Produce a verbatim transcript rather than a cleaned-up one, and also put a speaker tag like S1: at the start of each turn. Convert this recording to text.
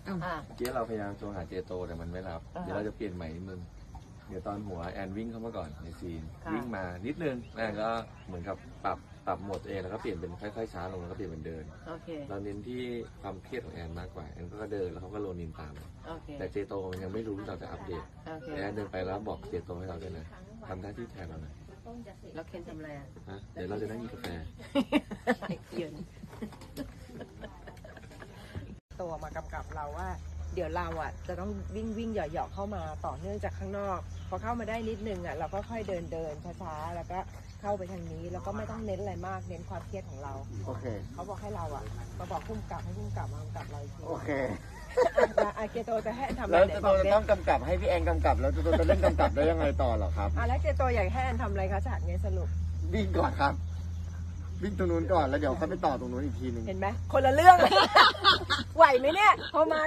S1: อ่า
S2: เมื่อกี้เราพยายามโทรหาเจโตแต่มันไม่รับ
S1: อ่าฮะ
S2: เดี๋ยวเราจะเปลี่ยนใหม่นิดนึงเดี๋ยวตอนหัวแอนวิ่งเข้ามาก่อนในซีน
S1: ค่ะ
S2: วิ่งมานิดนึงแอนก็เหมือนกับปรับปรับโหมดตัวเองแล้วก็เปลี่ยนเป็นค่อยๆช้าลงแล้วก็เปลี่ยนเป็นเดิน
S1: โอเค
S2: เราเน้นที่ความเครียดของแอนมากกว่าแอนก็เดินแล้วเขาก็โรนินตาม
S1: โอเค
S2: แต่เจโตมันยังไม่รู้เราจะอัปเดต
S1: โอเค
S2: แอนเดินไปแล้วบอกเจโตให้เราด้วยนะทำหน้าที่แทนเราหน่อย
S1: แล้วเคนทำอะไรอ่ะ
S2: ฮะเดี๋ยวเราจะนั่งกินกาแฟ
S1: เยืนตัวมากำกับเราว่า เดี๋ยวเราอ่ะจะต้องวิ่งวิ่งเหยาะๆเข้ามาต่อเนื่องจากข้างนอก พอเข้ามาได้นิดนึงอ่ะเราก็ค่อยเดินเดินช้าๆแล้วก็เข้าไปทางนี้แล้วก็ไม่ต้องเน้นอะไรมากเน้นความเครียดของเรา
S3: โอเค
S1: เขาบอกให้เราอ่ะมาบอกพุ่มกับให้พุ่มกับมากำกับเราอีกที
S3: โอเค
S1: อ่ะอ่ะเกโตจะให้ทำอะไร
S3: แล้ว
S1: ไหน
S3: จะ
S1: บอก
S3: จะ
S1: ดิ
S3: ต้องกำกับให้พี่แอนกำกับ แล้วจะจะเล่นกำกับได้ยังไงต่อเหรอครับ
S1: อ่ะแล้วเกโตอยากให้แอนทำอะไรคะฉากนี้สรุป
S3: วิ่งก่อนครับ วิ่งตรงนู้นก่อนแล้วเดี๋ยวค่อยไปต่อตรงนู้นอีกทีหนึง
S1: เห็นไหมคนละเรื่องเลย ไหวไหมเนี่ยพอมา